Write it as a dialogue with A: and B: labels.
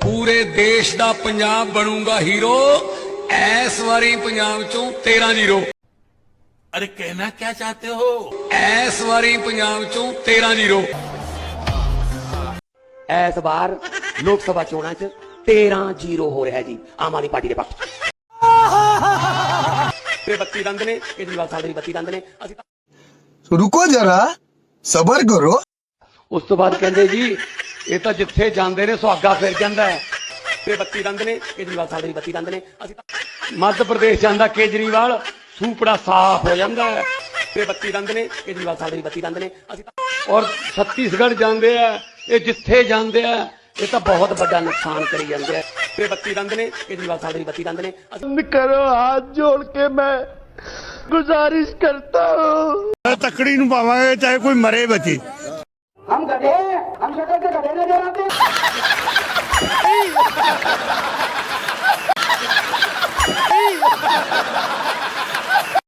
A: पूरे देश दा पंजाब बनूंगा हीरो। इस बारी पंजाब चों 13-0।
B: अरे कहना क्या चाहते हो?
A: इस बारी पंजाब चों 13-0।
C: इस बार लोक सभा चोणां च 13-0 हो रहा है जी आम आदमी पार्टी के पक्ष। 32 दंद ने केजरीवाल साहब दे 32 दंद ने।
D: रुको जरा सबर करो।
C: उस तो बाद कहते जी ये तो जिथे जाते ने सुहागा फिर जाता है। 32 दंद ने केजरीवाल साहब दे 32 दंद ने। मध्य प्रदेश जाता केजरीवाल सूपड़ा साफ हो जाता है। 32 दंद ने केजरीवाल साहब दे 32 दंद ने। और छत्तीसगढ़ जाते हैं ये जिथे जाते हैं ये तो बहुत बड़ा नुकसान करी जाते हैं। 32 दंद ने केजरीवाल साहब दे 32 दंद ने।
E: करो हाथ जोड़ के मैं गुजारिश करता हूँ।
F: तकड़ी नूं पावांगे चाहे कोई मरे बची।
C: हम गधे हम शक्ल के गधे नजर आते।